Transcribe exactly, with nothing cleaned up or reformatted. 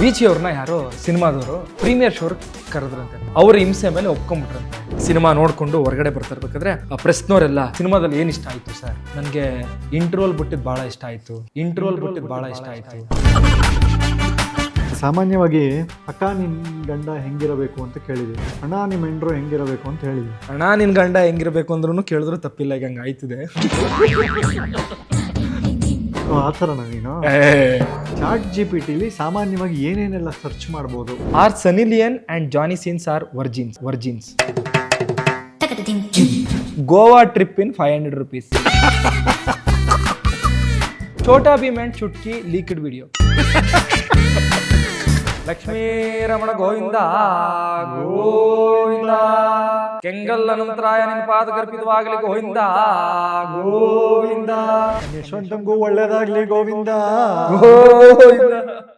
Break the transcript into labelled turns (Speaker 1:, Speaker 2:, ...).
Speaker 1: ಬೀಚಿ ಅವ್ರನ್ನ ಯಾರೋ ಸಿನಿಮಾದವರು premier sure ಕರೆದ್ರಂತೆ. ಅವ್ರ ಹಿಂಸೆ ಮೇಲೆ ಒಪ್ಕೊಂಡ್ಬಿಟ್ರಂತೆ. ಸಿನಿಮಾ ನೋಡ್ಕೊಂಡು ಹೊರಗಡೆ ಬರ್ತಿರ್ಬೇಕಾದ್ರೆ ಆ ಪ್ರೆಸ್ನವರೆಲ್ಲ ಸಿನಿಮಾದಲ್ಲಿ ಏನ್ ಇಷ್ಟ ಆಯ್ತು ಸರ್? ನನ್ಗೆ ಇಂಟ್ರೋಲ್ ಬಿಟ್ಟಿದ್ ಬಹಳ ಇಷ್ಟ ಆಯ್ತು, ಇಂಟ್ರೋಲ್ ಬಿಟ್ಟಿದ್ ಬಹಳ ಇಷ್ಟ ಆಯ್ತು.
Speaker 2: ಸಾಮಾನ್ಯವಾಗಿ ಅಕ್ಕ ನಿನ್ ಗಂಡ ಹೆಂಗಿರಬೇಕು ಅಂತ ಕೇಳಿದ್ವಿ, ಅಣ್ಣ ನಿಮ್ಮ ಹೆಂಡ್ರು ಹೆಂಗಿರಬೇಕು ಅಂತ ಹೇಳಿದ್ವಿ.
Speaker 1: ಅಣ್ಣ ನಿನ್ ಗಂಡ ಹೆಂಗಿರ್ಬೇಕು ಅಂದ್ರೂ ಕೇಳಿದ್ರು ತಪ್ಪಿಲ್ಲ, ಈಗ ಹಂಗ ಆಯ್ತಿದೆ.
Speaker 2: ಆ ಥರನ ನೀನು ಚಾಟ್ ಜಿ ಪಿ ಟಿಲಿ ಸಾಮಾನ್ಯವಾಗಿ ಏನೇನೆಲ್ಲ ಸರ್ಚ್ ಮಾಡ್ಬೋದು?
Speaker 1: Or Sunny Leone and Johnny Sins or virgins virgins Goa trip in five hundred rupees. Chhota Bheem and Chutki leaked video. Lakshmi Ramana Govinda Govinda, Kengal Anantaraya ನಿನ್ನ ಪಾದ ಗರ್ಭಿತವಾಗಲಿ ಗೋವಿಂದ ಗೋವಿಂದ,
Speaker 2: ಯಶವಂತಂಗೂ ಒಳ್ಳೇದಾಗ್ಲಿ ಗೋವಿಂದ
Speaker 1: ಗೋವಿಂದ.